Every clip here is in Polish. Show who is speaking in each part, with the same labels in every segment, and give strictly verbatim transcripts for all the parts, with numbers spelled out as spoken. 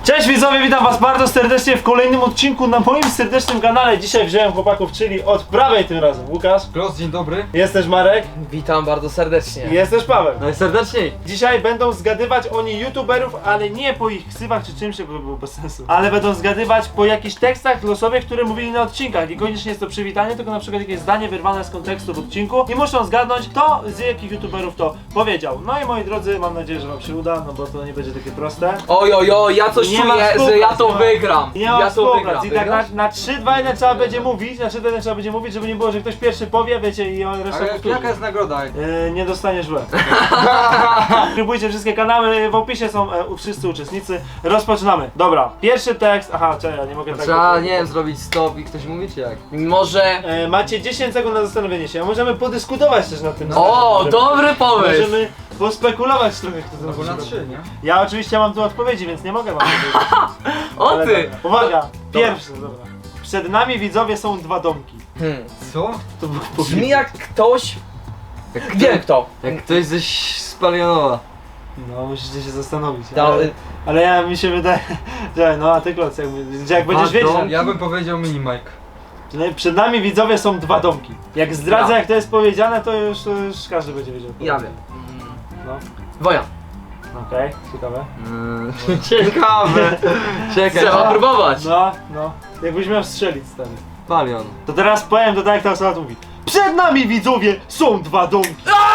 Speaker 1: Cześć widzowie, witam was bardzo serdecznie w kolejnym odcinku na moim serdecznym kanale. Dzisiaj wziąłem chłopaków, czyli od prawej tym razem Łukasz.
Speaker 2: Klos, dzień dobry.
Speaker 1: Jest też Marek.
Speaker 3: Witam bardzo serdecznie.
Speaker 1: I jest też Paweł.
Speaker 3: Najserdeczniej.
Speaker 1: Dzisiaj będą zgadywać oni youtuberów, ale nie po ich ksywach czy czymś, bo było bez sensu. Ale będą zgadywać po jakichś tekstach losowych, które mówili na odcinkach. I koniecznie jest to przywitanie, tylko na przykład jakieś zdanie wyrwane z kontekstu w odcinku. I muszą zgadnąć, kto z jakich youtuberów to powiedział. No i moi drodzy, mam nadzieję, że wam się uda, no bo to nie będzie takie proste.
Speaker 3: Oj, oj, oj, ja coś
Speaker 1: Nie ma
Speaker 3: czuję, że
Speaker 1: współpracy,
Speaker 3: ja to
Speaker 1: nie ma-
Speaker 3: wygram.
Speaker 1: Nie ma
Speaker 3: Ja to
Speaker 1: współpracy.
Speaker 3: wygram.
Speaker 1: I tak na, na trzy, dwa, jeden trzeba będzie mówić, na trzy, dwa, jeden trzeba będzie mówić, żeby nie było, że ktoś pierwszy powie, wiecie, i on resztę
Speaker 2: Ale
Speaker 1: powtórzy.
Speaker 2: jaka jest nagroda?
Speaker 1: Yy, nie dostaniesz łeb. Subskrybujcie wszystkie kanały, w opisie są e, wszyscy uczestnicy. Rozpoczynamy. Dobra, pierwszy tekst. Aha, czekaj, ja nie mogę tak.
Speaker 4: Trzeba, nie wiem, zrobić stop i ktoś mówi, czy jak?
Speaker 3: Może...
Speaker 1: E, macie dziesięć sekund na zastanowienie się, a możemy podyskutować też nad tym.
Speaker 3: O,
Speaker 1: Żeby-
Speaker 3: dobry pomysł.
Speaker 1: Możemy pospekulować trochę, kto to
Speaker 2: Albo na
Speaker 1: zrobi.
Speaker 2: trzy, nie?
Speaker 1: Ja oczywiście mam tu odpowiedzi, więc nie mogę wam powiedzieć.
Speaker 3: O
Speaker 1: Ale
Speaker 3: ty.
Speaker 1: dobra. Uwaga, pierwszy, dobra. Przed nami widzowie są dwa domki.
Speaker 3: Hmm.
Speaker 2: Co?
Speaker 1: To było
Speaker 3: Brzmi jak ktoś...
Speaker 4: Jak
Speaker 3: Wiem kto.
Speaker 4: Jak ktoś ze Spalionowa.
Speaker 1: No, musicie się zastanowić.
Speaker 3: Da-
Speaker 1: Ale, ale ja mi się wydaje. Czekaj, no a ty Kloc, jak, jak będziesz
Speaker 4: Dwa
Speaker 1: wiedział.
Speaker 4: domki?
Speaker 2: Ja bym powiedział mini Mike.
Speaker 1: No i przed nami widzowie są dwa domki. Jak zdradzę,
Speaker 3: Ja.
Speaker 1: jak to jest powiedziane, to już, to już każdy będzie wiedział.
Speaker 3: Ja wiem.
Speaker 1: No,
Speaker 3: Wojan.
Speaker 1: okej, ciekawe.
Speaker 4: Mm, ciekawe. Czekaj,
Speaker 3: Trzeba
Speaker 4: a,
Speaker 3: próbować.
Speaker 1: No, no. Jakbyś miał strzelić, stary.
Speaker 4: Palion.
Speaker 1: To teraz powiem to tak, jak ta osoba tu mówi. Przed nami widzowie są dwa domki.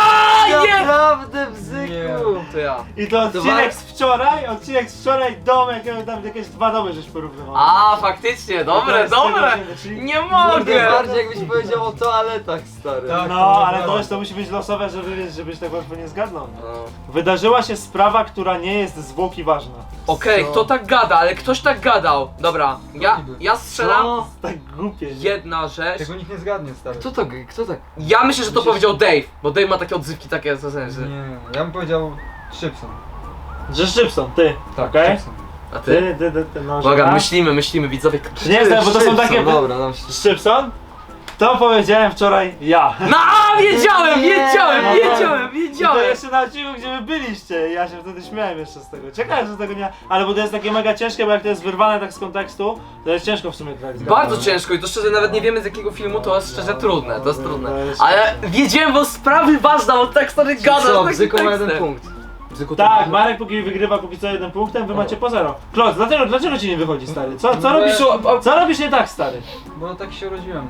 Speaker 3: A nie!
Speaker 4: Naprawdę, bzyku.
Speaker 3: To ja.
Speaker 1: I to
Speaker 4: To
Speaker 1: odcinek
Speaker 4: wa-
Speaker 1: z wczoraj, odcinek z wczoraj, domek, tam jakieś dwa domy żeś porównywał.
Speaker 3: A, faktycznie,
Speaker 1: To
Speaker 3: dobre,
Speaker 1: jest z tego
Speaker 3: dobre.
Speaker 1: odcinka, czyli-
Speaker 3: Nie
Speaker 4: Kurde,
Speaker 3: mogę.
Speaker 4: bardziej jakbyś powiedział o toaletach, stary.
Speaker 2: Tak.
Speaker 1: No, ale to już to musi być losowe, żeby wiesz, żebyś tak łatwo nie zgadnął.
Speaker 4: No.
Speaker 1: Wydarzyła się sprawa, która nie jest zwłoki ważna.
Speaker 3: Okej,
Speaker 4: Co?
Speaker 3: kto tak gada, ale ktoś tak gadał. Dobra, ja, ja strzelam.
Speaker 4: Co?
Speaker 1: Tak głupie.
Speaker 3: Jedna rzecz.
Speaker 2: Tego nikt nie zgadnie, stary.
Speaker 4: Kto to, kto tak?
Speaker 3: Ja myślę, że to
Speaker 2: Myślisz-
Speaker 3: powiedział Dave, bo Dave ma takie odzywki takie w sensie.
Speaker 2: Nie, ja bym powiedział Szybson.
Speaker 1: Że Szybson, ty.
Speaker 2: Tak,
Speaker 1: Okej?
Speaker 2: Szybson.
Speaker 3: A ty?
Speaker 1: Ty, ty, ty, ty, no, że
Speaker 3: Uwaga,
Speaker 1: tak?
Speaker 3: myślimy, myślimy, widzowie.
Speaker 1: Nie znam, bo to są
Speaker 4: Szybson,
Speaker 1: takie...
Speaker 4: Dobra, dam się.
Speaker 1: Szybson? To powiedziałem wczoraj ja.
Speaker 3: No, a, wiedziałem,
Speaker 4: Nie.
Speaker 3: wiedziałem,
Speaker 1: No,
Speaker 3: wiedziałem,
Speaker 1: I to
Speaker 3: wiedziałem.
Speaker 1: jeszcze na odcinku, gdzie wy byliście. Ja się wtedy śmiałem jeszcze z tego. Czekałem, że tego nie... Ale bo to jest takie mega ciężkie, bo jak to jest wyrwane tak z kontekstu, to jest ciężko w sumie tak zgadnąć.
Speaker 3: Bardzo ciężko i to szczerze nawet nie wiemy z jakiego filmu, to jest szczerze trudne, to jest
Speaker 1: No,
Speaker 3: trudne.
Speaker 1: to jest-
Speaker 3: Ale wiedziałem, bo sprawy ważne, bo tak stary gada
Speaker 4: Co,
Speaker 3: z takim
Speaker 4: bzyku ma jeden
Speaker 3: tekstem.
Speaker 4: punkt.
Speaker 3: Bzyku to
Speaker 1: Tak,
Speaker 3: ma-
Speaker 1: Marek póki wygrywa póki co jeden punktem, wy macie po zero. Kloc, dlaczego, dlaczego ci nie wychodzi, stary? Co, co,
Speaker 2: No,
Speaker 1: robisz,
Speaker 3: ja-
Speaker 1: co robisz nie tak, stary?
Speaker 2: Bo tak się urodziłem.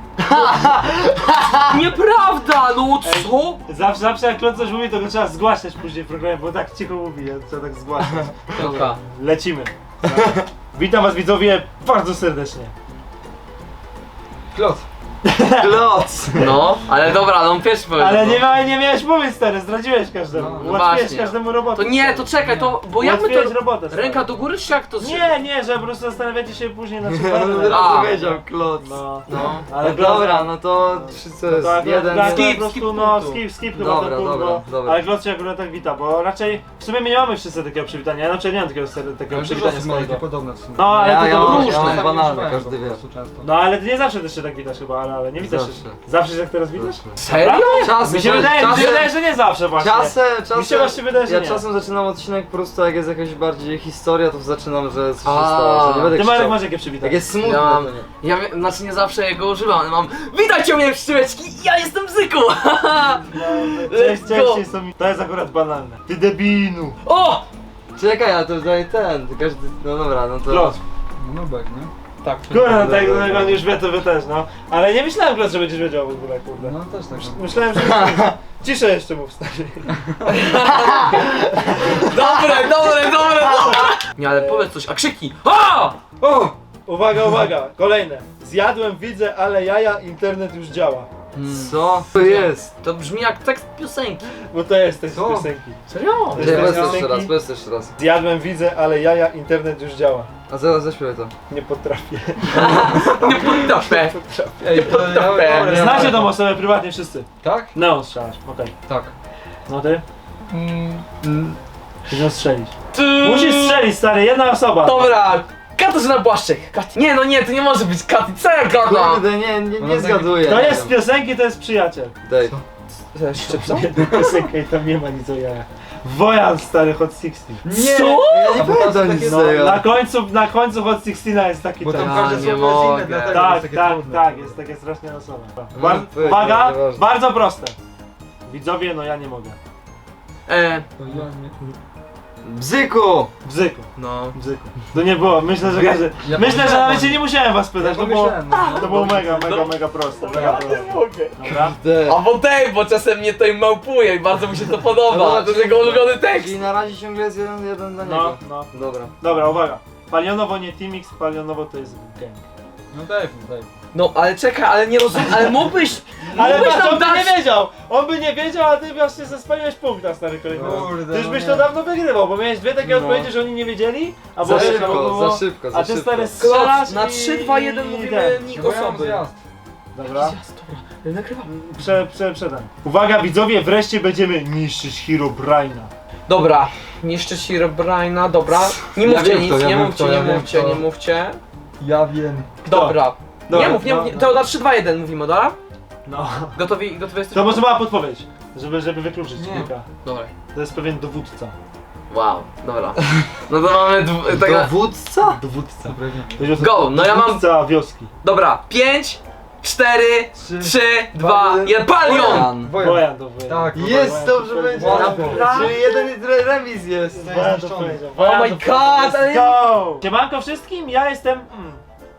Speaker 3: Nieprawda, no co?
Speaker 1: Zawsze, zawsze jak Kloc coś mówi, to go trzeba zgłaszać później w programie, bo tak cicho mówi, ja trzeba tak zgłaszać.
Speaker 3: Dobra.
Speaker 1: Lecimy. Witam was widzowie bardzo serdecznie.
Speaker 2: Klos.
Speaker 4: Kloc.
Speaker 3: No, ale dobra, no on pierwszy powiedział.
Speaker 1: Ale
Speaker 3: no.
Speaker 1: nie, ma, nie miałeś mówić, stary, zdradziłeś każdemu.
Speaker 2: No,
Speaker 3: no
Speaker 1: Ułatwiłeś
Speaker 3: właśnie.
Speaker 1: każdemu robotę.
Speaker 3: To nie, to czekaj, to, bo jak my
Speaker 1: Ułatwiłeś
Speaker 3: to...
Speaker 1: robotę, stary.
Speaker 3: Ręka do góry czy jak to?
Speaker 1: Nie, nie, że po prostu zastanawiacie się później na
Speaker 4: Ja
Speaker 1: przykład.
Speaker 4: od
Speaker 3: A.
Speaker 4: razu powiedział kloc.
Speaker 1: No,
Speaker 3: No.
Speaker 1: ale
Speaker 4: No dobra, no to trzy co jest?
Speaker 1: Tak,
Speaker 4: Jeden.
Speaker 1: tak,
Speaker 3: skip,
Speaker 1: po prostu,
Speaker 3: skip
Speaker 1: no,
Speaker 3: punktu.
Speaker 1: skip, skip chyba
Speaker 4: Dobra,
Speaker 1: ten punkt,
Speaker 4: dobra,
Speaker 1: bo,
Speaker 4: dobra.
Speaker 1: ale Klot się akurat tak wita, bo raczej w sumie my nie mamy wszyscy takiego przywitania, ja na przykład nie mam takiego, ser- takiego
Speaker 2: Ale dużo
Speaker 1: przywitania
Speaker 2: osób ma takie
Speaker 1: swojego.
Speaker 2: podobne w sumie.
Speaker 1: No, ale
Speaker 4: Ja-
Speaker 1: to,
Speaker 4: ja
Speaker 1: to
Speaker 4: mam-
Speaker 1: różne.
Speaker 4: ja mam
Speaker 2: Tak nie
Speaker 4: banalne,
Speaker 2: używałem
Speaker 4: każdy
Speaker 2: po
Speaker 4: wie.
Speaker 2: prostu często.
Speaker 1: No ale ty nie zawsze też się tak witasz chyba, ale, ale nie witasz się.
Speaker 4: Zawsze.
Speaker 1: Zawsze się jak teraz witasz?
Speaker 3: Serio?
Speaker 4: Czasem,
Speaker 1: Mi się wydaje, mi się
Speaker 4: czasem,
Speaker 1: wydaje, że nie zawsze właśnie.
Speaker 4: czasem, czasem,
Speaker 1: Mi się właśnie wydaje, że
Speaker 4: ja
Speaker 1: nie.
Speaker 4: czasem zaczynam odcinek po prostu jak jest jakaś bardziej historia, to zaczynam, że coś się
Speaker 3: A,
Speaker 4: stało, że nie będę
Speaker 1: Ty Marek
Speaker 4: krzyczał.
Speaker 1: masz jakie
Speaker 4: Jak
Speaker 1: przywitanie?
Speaker 4: jest smutne,
Speaker 3: Ja mam,
Speaker 4: to nie.
Speaker 3: ja wiem, znaczy nie zawsze go używam, ale mam witajcie mnie pszczółeczki, ja jestem Bzyku!
Speaker 1: No, cześć,
Speaker 3: Let's
Speaker 1: cześć,
Speaker 3: go.
Speaker 1: jest to, mi- to jest akurat banalne. Ty debinu.
Speaker 3: O!
Speaker 4: Czekaj, ale to daje ten, to każdy, no dobra, no to...
Speaker 1: Klot.
Speaker 2: No Nubek, nie?
Speaker 3: Tak.
Speaker 1: Kurde, tak jak on już wie, to wy też, no. Ale nie myślałem, Klot, że będziesz wiedział w ogóle, kurde.
Speaker 2: No też tak.
Speaker 1: Myślałem, że... Ciszę jeszcze mów, stary.
Speaker 3: Dobre, dobre, dobre, dobre! Nie, ale powiedz coś, a krzyki! O!
Speaker 1: O! Uwaga, uwaga, kolejne. Zjadłem, widzę, ale jaja, internet już działa.
Speaker 4: Co? To jest?
Speaker 3: To brzmi jak tekst piosenki.
Speaker 1: Bo to jest tekst
Speaker 2: Co?
Speaker 1: piosenki.
Speaker 3: Serio?
Speaker 1: To jest
Speaker 4: Nie,
Speaker 1: tekst
Speaker 4: powiedz jeszcze
Speaker 1: piosenki.
Speaker 4: raz, powiedz jeszcze raz.
Speaker 1: Zjadłem, widzę, ale jaja, internet już działa.
Speaker 4: A zaraz zaśpiewaj to.
Speaker 1: Nie potrafię.
Speaker 3: Nie potrafię.
Speaker 2: Ej, to ja,
Speaker 3: Dobra,
Speaker 2: dobra, ja-
Speaker 1: Znacie tą osobę prywatnie wszyscy.
Speaker 2: Tak?
Speaker 1: No, strzelasz, okej.
Speaker 2: Tak.
Speaker 1: No ty?
Speaker 2: Mm,
Speaker 1: Musisz strzelić.
Speaker 3: Ty-
Speaker 1: Musisz strzelić, stary, jedna osoba.
Speaker 3: Dobra, Katarzyna Błaszczyk. Kat... Nie no nie, to nie może być Katy, co ja gadam?
Speaker 4: Kurde, nie, nie,
Speaker 2: Ona
Speaker 4: nie
Speaker 2: tak-
Speaker 4: zgaduję.
Speaker 1: To
Speaker 4: nie
Speaker 1: jest z
Speaker 4: wiem.
Speaker 1: piosenki, to jest przyjaciel.
Speaker 4: Daj.
Speaker 3: Szczypsa?
Speaker 1: Jedna piosenka i tam nie ma nic o jajach. Wojan stary Hot szesnaście.
Speaker 2: Nie!
Speaker 3: Co?
Speaker 4: Ja nie
Speaker 2: A bo tam są
Speaker 4: pamiętam
Speaker 2: takie-
Speaker 4: nic
Speaker 1: No,
Speaker 4: z tego.
Speaker 1: na końcu, na końcu Hot szesnaście jest taki
Speaker 2: Bo tam
Speaker 1: tekst.
Speaker 3: Ja
Speaker 2: każde
Speaker 3: nie
Speaker 2: słowo jest
Speaker 3: mogę.
Speaker 2: inne, dlatego
Speaker 1: Tak,
Speaker 2: jest takie
Speaker 1: tak,
Speaker 2: trudne.
Speaker 1: tak, jest takie strasznie losowe.
Speaker 4: No,
Speaker 1: Bar
Speaker 4: powiedz,
Speaker 1: uwaga,
Speaker 4: nieważne.
Speaker 1: bardzo proste. Widzowie, no ja nie mogę.
Speaker 3: E,
Speaker 2: To ja nie...
Speaker 4: Bzyku!
Speaker 1: Bzyku,
Speaker 3: no.
Speaker 1: bzyku. To nie było, myślę, że każdy...
Speaker 2: Ja
Speaker 1: Myślę, że
Speaker 2: pomyślałem,
Speaker 1: nawet się nie musiałem was
Speaker 2: Ja
Speaker 1: pytać, to było...
Speaker 2: pomyślałem, no.
Speaker 1: To było mega, mega,
Speaker 3: No.
Speaker 1: mega proste. Mega
Speaker 3: Ja nie
Speaker 1: proste.
Speaker 3: mogę.
Speaker 1: Dobra?
Speaker 4: D.
Speaker 3: A bo tej, bo czasem mnie to im małpuje i bardzo mi się to podoba.
Speaker 4: Dobra,
Speaker 3: To jest jego ulubiony tekst.
Speaker 4: Czyli na razie ciągle jest jeden, jeden dla
Speaker 1: No,
Speaker 4: niego.
Speaker 1: no.
Speaker 4: Dobra.
Speaker 1: Dobra, uwaga. Palionowo nie Teamix, palionowo to jest gang.
Speaker 2: No daj, daj.
Speaker 3: No ale czekaj, ale nie rozumiem, ale mógłbyś...
Speaker 1: Ale
Speaker 3: mógłbyś
Speaker 1: patrz,
Speaker 3: nam
Speaker 1: on by
Speaker 3: dać...
Speaker 1: nie wiedział! On by nie wiedział, a ty właśnie zespaliłeś punkt na stary kolejny.
Speaker 2: Kurde,
Speaker 1: Ty już
Speaker 2: no
Speaker 1: byś
Speaker 2: nie.
Speaker 1: to dawno wygrywał, bo miałeś dwie takie
Speaker 4: No.
Speaker 1: odpowiedzi, że oni nie wiedzieli, a
Speaker 4: Za
Speaker 1: bo
Speaker 4: szybko,
Speaker 1: było-
Speaker 4: za szybko, za
Speaker 1: A ty
Speaker 4: szybko.
Speaker 1: stary strzelasz
Speaker 3: Na
Speaker 1: i-
Speaker 3: trzy, dwa, jeden
Speaker 1: i
Speaker 3: mówimy
Speaker 1: ten.
Speaker 3: nick
Speaker 2: Bo ja mam
Speaker 3: osoby.
Speaker 2: zjazd.
Speaker 1: Dobra.
Speaker 3: Jasne, dobra. Nagrywam.
Speaker 1: Prze, prze, przedam. Uwaga widzowie, wreszcie będziemy niszczyć Herobrine'a.
Speaker 3: Dobra, niszczyć Herobrine'a, dobra. Nie
Speaker 2: Ja
Speaker 3: mówcie
Speaker 2: wiem
Speaker 3: nic,
Speaker 2: kto, ja
Speaker 3: nie
Speaker 2: wiem
Speaker 3: mówcie,
Speaker 2: kto,
Speaker 3: nie
Speaker 2: ja wiem
Speaker 3: mówcie,
Speaker 2: kto.
Speaker 3: nie mówcie.
Speaker 2: Ja wiem.
Speaker 3: Dobra.
Speaker 1: Dobra,
Speaker 3: Nie mów, nie
Speaker 1: no,
Speaker 3: mów,
Speaker 1: no.
Speaker 3: to na trzy, dwa, jeden mówimy, dobra?
Speaker 1: No.
Speaker 3: Gotowi, gotowi jesteś?
Speaker 1: To może mała podpowiedź, żeby, żeby wykluczyć
Speaker 2: Nie.
Speaker 1: kilka.
Speaker 3: Dobra.
Speaker 1: To jest pewien dowódca.
Speaker 3: Wow, dobra. No to mamy dw- tego...
Speaker 4: Dowódca?
Speaker 1: Dowódca.
Speaker 2: Dobra, wiem.
Speaker 1: Chodzi o to-
Speaker 3: Go, no ja mam-
Speaker 1: Dowódca wioski.
Speaker 3: Dobra, pięć, cztery,
Speaker 2: Trzy,
Speaker 3: trzy, dwa, jeden, Palion!
Speaker 4: Wojan.
Speaker 2: Wojan.
Speaker 1: Wojan to powiedział.
Speaker 2: Tak.
Speaker 4: Jest, dobrze będzie.
Speaker 2: Wow.
Speaker 4: Czyli jeden re- remis jest.
Speaker 1: Wojan to
Speaker 2: zniszczony.
Speaker 1: powiedział.
Speaker 3: Oh
Speaker 1: Wojan
Speaker 3: my
Speaker 1: to powiedział.
Speaker 3: god, ale-
Speaker 1: Let's go! Siemanko wszystkim, ja jestem... Mm.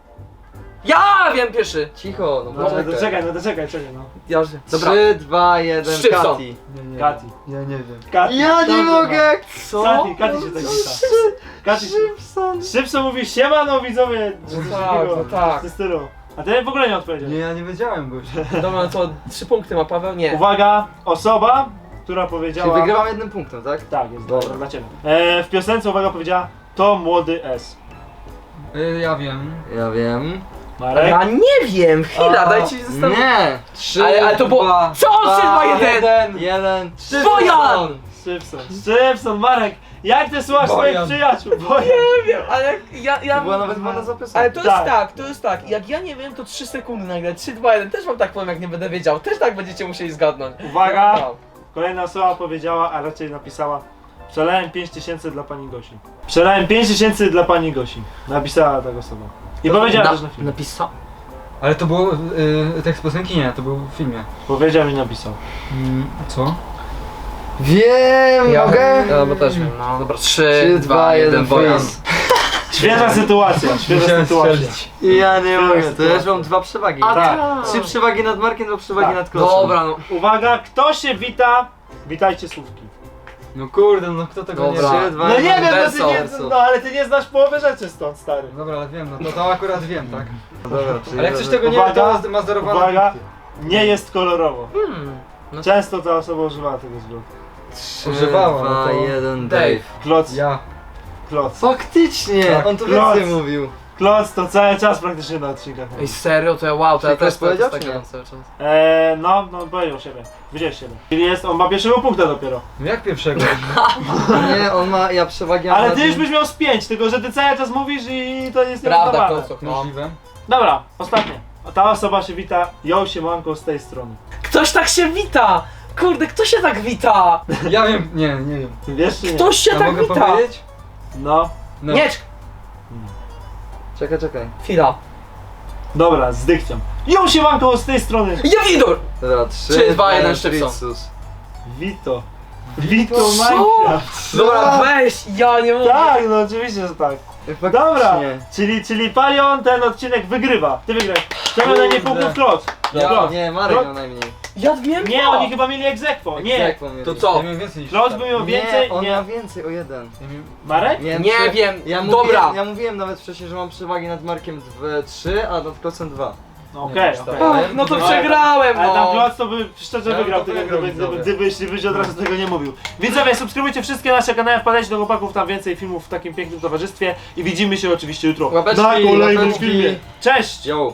Speaker 3: Ja wiem pierwszy.
Speaker 4: Cicho, no
Speaker 1: No,
Speaker 4: poczekaj.
Speaker 1: no, czekaj, no to czekaj, czekaj no.
Speaker 3: Ja już wiem. Dobra.
Speaker 4: trzy, dwa, jeden,
Speaker 3: Szczypson.
Speaker 4: Kati.
Speaker 2: Nie, nie.
Speaker 1: Kati.
Speaker 2: Ja nie wiem.
Speaker 1: Kati.
Speaker 4: Ja nie
Speaker 1: Dobrze,
Speaker 4: mogę!
Speaker 3: Co?
Speaker 1: Kati, Kati się tak wita. Kati się...
Speaker 4: Szybson.
Speaker 1: Szybko mówi siema no widzowie.
Speaker 3: No
Speaker 1: czy coś
Speaker 3: tak,
Speaker 1: takiego,
Speaker 3: no tak.
Speaker 1: W tym stylu. A ty w ogóle nie odpowiedział.
Speaker 2: Nie, ja nie wiedziałem goś.
Speaker 3: Dobra, no to trzy punkty ma Paweł? Nie.
Speaker 1: Uwaga, osoba, która
Speaker 4: Czyli
Speaker 1: powiedziała...
Speaker 4: wygrywam jednym punktem, tak?
Speaker 1: Tak, jest
Speaker 4: Dobra.
Speaker 1: dobra dla ciebie. E, w piosence uwaga powiedziała to młody S.
Speaker 2: Y, Ja wiem.
Speaker 4: Ja wiem.
Speaker 1: Marek?
Speaker 3: Ja nie wiem, chwila,
Speaker 2: A,
Speaker 3: dajcie się zastanowić.
Speaker 4: Nie! Trzy,
Speaker 3: Ale- ale to było-
Speaker 4: dwa,
Speaker 3: Co? Trzy, dwa, jeden.
Speaker 4: jeden, jeden, trzy,
Speaker 3: Wojan!
Speaker 1: Szybson. Szybson, Marek! Jak ty słuchasz swoich
Speaker 2: Bojan.
Speaker 1: przyjaciół? Bojan.
Speaker 3: Nie wiem, ale jak ja, ja...
Speaker 4: To była nawet wolna zapiska.
Speaker 3: Ale to jest
Speaker 1: Tak.
Speaker 3: tak, to jest tak, jak ja nie wiem, to trzy sekundy nagle, trzy, dwa, jeden, też wam tak powiem, jak nie będę wiedział, też tak będziecie musieli zgadnąć.
Speaker 1: Uwaga!
Speaker 3: No.
Speaker 1: Kolejna osoba powiedziała, a raczej napisała przelałem pięć tysięcy dla pani Gosi. Przelałem pięć tysięcy dla pani Gosi. Napisała ta osoba. I powiedziała
Speaker 3: Na-
Speaker 1: też na filmie.
Speaker 3: Napisał?
Speaker 2: Ale to było y, tekst piosenki? Nie, to był w filmie.
Speaker 1: Powiedział i napisał.
Speaker 2: Mm, co?
Speaker 4: Wiem, mogę?
Speaker 3: Ja, bo też wiem, no dobra, trzy,
Speaker 4: Trzy,
Speaker 3: dwa, jeden, Wojan.
Speaker 4: freeze.
Speaker 1: Świeża sytuacja, świeża
Speaker 2: Musiałem
Speaker 1: sytuacja.
Speaker 2: strzelić.
Speaker 4: Ja nie mogę, to ja
Speaker 1: sytuacja.
Speaker 4: już mam dwa przewagi.
Speaker 3: A
Speaker 1: Tak.
Speaker 3: tak.
Speaker 4: Trzy przewagi nad Markiem, dwa przewagi
Speaker 1: Tak.
Speaker 4: nad Klosem.
Speaker 3: Dobra, no.
Speaker 1: Uwaga, kto się wita? Witajcie słówki.
Speaker 2: No kurde, no kto tego
Speaker 3: Dobra.
Speaker 2: nie
Speaker 4: Trzy,
Speaker 2: wie?
Speaker 4: dwa,
Speaker 1: No nie
Speaker 4: jeden,
Speaker 1: wiem, no, ty
Speaker 3: Verso.
Speaker 1: nie, no ale ty nie znasz połowy rzeczy stąd, stary.
Speaker 2: Dobra, ale wiem, no to, to akurat wiem, tak?
Speaker 4: Dobra, czyli
Speaker 2: Ale jak coś
Speaker 4: razem.
Speaker 2: tego nie wie,
Speaker 1: Uwaga,
Speaker 2: to ma zdarowane
Speaker 1: Uwaga,
Speaker 2: punkty.
Speaker 1: nie jest kolorowo.
Speaker 3: Hmm. No.
Speaker 1: Często ta osoba używała tego zwrotu.
Speaker 4: Trzy,
Speaker 2: Używała,
Speaker 4: dwa,
Speaker 2: no to-
Speaker 4: jeden,
Speaker 3: Dave.
Speaker 4: Dave.
Speaker 1: Kloc,
Speaker 2: Ja.
Speaker 1: kloc.
Speaker 4: Faktycznie,
Speaker 2: Tak.
Speaker 4: on tu
Speaker 1: Kloc.
Speaker 4: więcej mówił.
Speaker 1: Kloc to cały czas praktycznie na odcinkach.
Speaker 3: Ej, serio, to ja wow, to ja
Speaker 4: Czyli
Speaker 3: też
Speaker 4: ktoś powiedział,
Speaker 3: tak
Speaker 4: czy nie?
Speaker 3: gadam cały czas.
Speaker 1: Eee, no, no powiedział siebie. Widziałeś siebie. Czyli jest, on ma pierwszego punkta dopiero.
Speaker 2: No jak pierwszego?
Speaker 4: Nie, on ma, ja przewagi mam
Speaker 1: Ale
Speaker 4: nad
Speaker 1: ty już
Speaker 4: nim.
Speaker 1: byś miał z pięć, tylko że ty cały czas mówisz i to jest
Speaker 3: Prawda,
Speaker 1: nieuznawane.
Speaker 3: Klocu. No.
Speaker 2: Możliwe.
Speaker 1: Dobra, ostatnie. Ta osoba się wita, ją się manką z tej strony.
Speaker 3: Ktoś tak się wita! Kurde, kto się tak wita?
Speaker 2: Ja wiem, nie, nie wiem.
Speaker 1: Ty wiesz czy nie?
Speaker 3: Ktoś się
Speaker 2: Ja
Speaker 3: tak
Speaker 2: mogę
Speaker 3: wita!
Speaker 2: powiedzieć?
Speaker 1: No.
Speaker 2: No.
Speaker 3: Nie,
Speaker 4: Czekaj, czekaj.
Speaker 3: chwila.
Speaker 1: Dobra, z dykcją. Ją się manką z tej strony.
Speaker 3: Ja widor!
Speaker 4: Dobra, trzy,
Speaker 3: Trzy, dwa, jeden, Szczypson.
Speaker 4: Fritzus.
Speaker 1: Vito. Vito
Speaker 3: Co?
Speaker 1: Minecraft.
Speaker 3: Dobra, weź, ja nie mogę.
Speaker 1: Tak, no oczywiście, że tak.
Speaker 4: Faktycznie.
Speaker 1: Dobra, czyli, czyli Palion ten odcinek wygrywa. Ty wygrałeś. Czemu na nie
Speaker 2: Kurde.
Speaker 1: punktów Klot?
Speaker 2: Ja-
Speaker 1: Klot.
Speaker 4: Nie, Marek
Speaker 1: Klot-
Speaker 4: miał najmniej.
Speaker 3: Ja wiem
Speaker 1: Nie, oni chyba mieli egzekwo. Nie.
Speaker 4: Egzekwo mieli.
Speaker 3: To co?
Speaker 2: Ja miałem więcej niż
Speaker 1: Klot
Speaker 2: cztery.
Speaker 1: by miał
Speaker 4: Nie,
Speaker 1: więcej,
Speaker 4: on
Speaker 1: nie.
Speaker 4: miał więcej, o jeden.
Speaker 2: Ja miałem...
Speaker 1: Marek?
Speaker 4: Miałem
Speaker 3: Nie
Speaker 4: prze-
Speaker 3: wiem,
Speaker 4: ja
Speaker 3: dobra.
Speaker 4: Mówiłem, ja mówiłem nawet wcześniej, że mam przewagi nad Markiem dwa, trzy, a nad Klosem dwa.
Speaker 1: No okej,
Speaker 2: Nie,
Speaker 1: okej.
Speaker 3: Ach, no to
Speaker 1: Ale-
Speaker 3: przegrałem,
Speaker 1: Ale tam
Speaker 3: no.
Speaker 1: Klot to by szczerze
Speaker 2: Ja
Speaker 1: wygrał,
Speaker 2: to
Speaker 1: tego,
Speaker 2: wygrał,
Speaker 1: gdyby, gdyby,
Speaker 2: widzowie.
Speaker 1: gdybyś, gdybyś od razu tego nie mówił. Widzowie, subskrybujcie wszystkie nasze kanały, wpadajcie do chłopaków, tam więcej filmów w takim pięknym towarzystwie i widzimy się oczywiście jutro
Speaker 4: Łapeczki,
Speaker 1: na kolejnym
Speaker 4: łapeczki.
Speaker 1: filmie. Cześć!
Speaker 4: Yo!